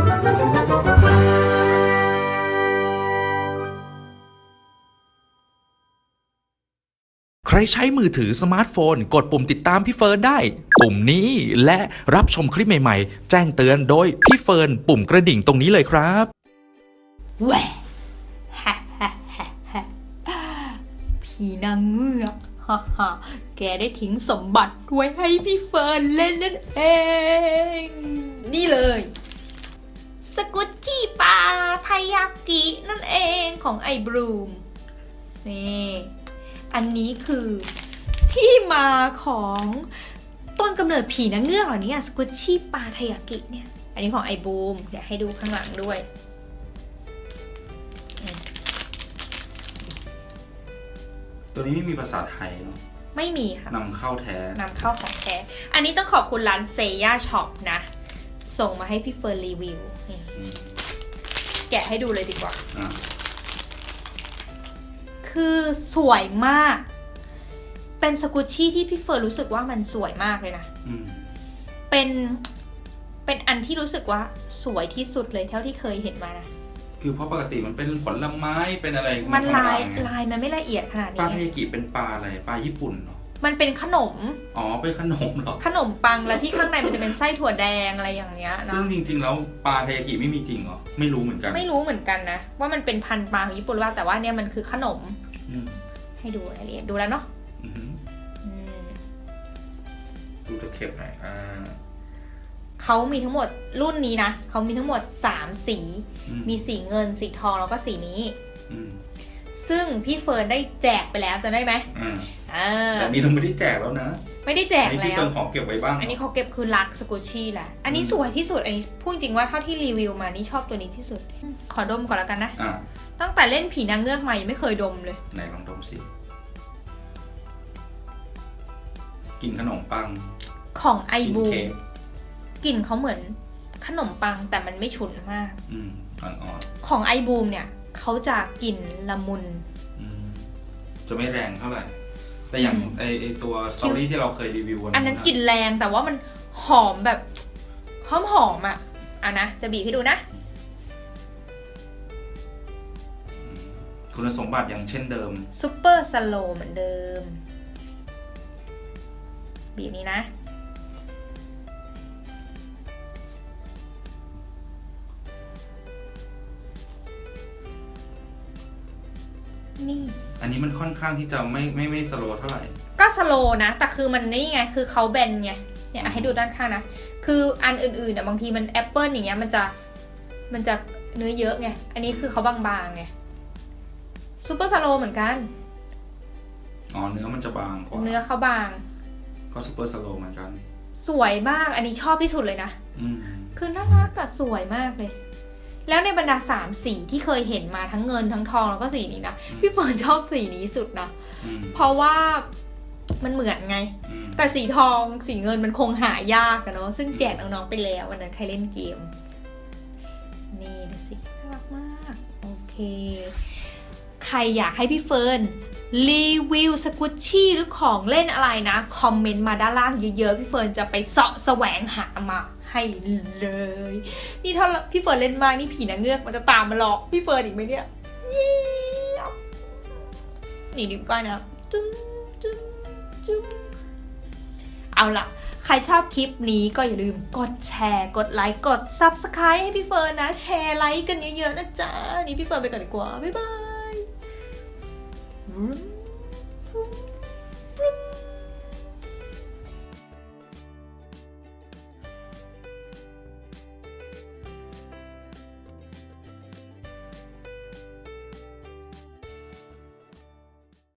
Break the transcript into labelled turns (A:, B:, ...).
A: ใครใช้มือถือสมาร์ทโฟนกดปุ่มติดตามพี่เฟิร์นได้ปุ่มนี้และรับชมคลิปใหม่ๆแจ้งเตือนโดยพี่เฟิร์นปุ่มกระดิ่งตรงนี้เลยครับ
B: แหวะผีนางเงือกแกได้ทิ้งสมบัติไว้ให้พี่เฟิร์นเล่นนั่นเองนี่เลยสกุตชี่ปลาไทยากินั่นเองของไอ้บรูมนี่อันนี้คือที่มาของต้นกำเนิดผีนางเงือกเหล่านี้สกุตชี่ปลาไทยากิเนี่ยอันนี้ของไอ้บูมเดี๋ยวให้ดูข้างหลังด้วย
C: ตัวนี้ไม่มีภาษาไทยเนาะ
B: ไม่มีค่ะ
C: นำเข้าแท้
B: นำเข้าของแท้อันนี้ต้องขอบคุณร้านเซย่าช็อปนะส่งมาให้พี่เฟิร์นรีวิวแกะให้ดูเลยดีกว่าคือสวยมากเป็นสกุชชี่ที่พี่เฟิร์นรู้สึกว่ามันสวยมากเลยนะเป็นอันที่รู้สึกว่าสวยที่สุดเลยเท่าที่เคยเห็นมานะ
C: คือเพราะปกติมันเป็นผลไม้เป็นอะไร
B: มันลายมันไม่ละเอียดขนาดนี้
C: ปลาเทกิเป็นปลาอะไรปลาญี่ปุ่นเหรอ
B: มันเป็นขนม
C: เป็นขนมเหรอ
B: ขนมปังแล้วที่ข้างในมันจะเป็นไส้ถั่วแดงอะไรอย่างเงี้ยนะ
C: ซึ่งจริงๆแล้วปลาเทกิไม่มีจริงเหรอไม่รู้เหมือนกัน
B: นะว่ามันเป็นพันธุ์ปลาญี่ปุ่นว่าแต่ว่าเนี่ยมันคือขนมให้ดูรายละเอียดดูแล้วเนาะ
C: ดูตะเข็บหน่อย
B: เขามีทั้งหมดรุ่นนี้นะเขามีทั้งหมด3สีมีสีเงินสีทองแล้วก็สีนี้ซึ่งพี่เฟิร์นได้แจกไปแล้วจะได้ไหม
C: แต่นี้เราไม่ได้แจกแล้วนะ
B: ไม่ได้แจกแล้ว
C: พี่เฟิร์นของเก็บไว้บ้าง
B: อันนี้เขาเก็บคือรักสกุชชี่แหละอันนี้สวยที่สุดอันนี้พูดจริงว่าเท่าที่รีวิวมานี่ชอบตัวนี้ที่สุดขอดมก่อนแล้วกันนะตั้งแต่เล่นผีนางเงือกมายังไม่เคยดมเลย
C: ไหนลองดมสิกลิ่นขนมปัง
B: ของไอบูกลิ่นเขาเหมือนขนมปังแต่มันไม่ฉุนมาก
C: อ่อน
B: ๆของไอบูมเนี่ยเขาจะกลิ่นละมุน
C: จะไม่แรงเท่าไหร่แต่อย่างไอตัวสตอรี่ที่เราเคยรีวิว
B: อันนั้นกลิ่นแรงแต่ว่ามันหอมแบบหอมอ่ะนะจะบีบให้ดูนะ
C: คุณสมบัติอย่างเช่นเดิม
B: ซุปเปอร์สโลว์เหมือนเดิมบีบนี้นะนี่
C: อันนี้มันค่อนข้างที่จะไม่สโลว์เท่าไหร่
B: ก็สโลว์นะแต่คือมันนี่ไงคือเขาแบนไงเนี่ยให้ดูด้านข้างนะคืออันอื่นๆบางทีมันแอปเปิลอย่างเงี้ยมันจะเนื้อเยอะไงอันนี้คือเขาบางๆไงซูเปอร์สโลว์เหมือนกัน
C: เนื้อมันจะบางกว่า
B: เนื้อเขาบาง
C: ก็ซูเปอร์สโลว์เหมือนกัน
B: สวยมากอันนี้ชอบที่สุดเลยนะคือน่ารักแต่สวยมากเลยแล้วในบรรดา3สีที่เคยเห็นมาทั้งเงินทั้งทองแล้วก็สีนี้นะพี่เฟิร์นชอบสีนี้สุดนะเพราะว่ามันเหมือนไงแต่สีทองสีเงินมันคงหายากอะเนาะซึ่งแจกน้องๆไปแล้ววันนั้นใครเล่นเกมนี่ดูสิน่ารักมากโอเคใครอยากให้พี่เฟิร์นรีวิวสกุชชี่หรือของเล่นอะไรนะคอมเมนต์มาด้านล่างเยอะๆพี่เฟิร์นจะไปเสาะแสวงหามาให้เลยนี่ถ้าพี่เฟิร์นเล่นมากนี่ผีนางเงือกมันจะตามมาหลอกพี่เฟิร์นอีกไหมเนี่ยนี่ดีกว่านะเอาล่ะใครชอบคลิปนี้ก็อย่าลืมกดแชร์กดไลค์กด Subscribe ให้พี่เฟิร์นนะแชร์ไลค์กันเยอะๆนะจ๊ะนี่พี่เฟิร์นไปก่อนดีกว่าบ๊ายบาย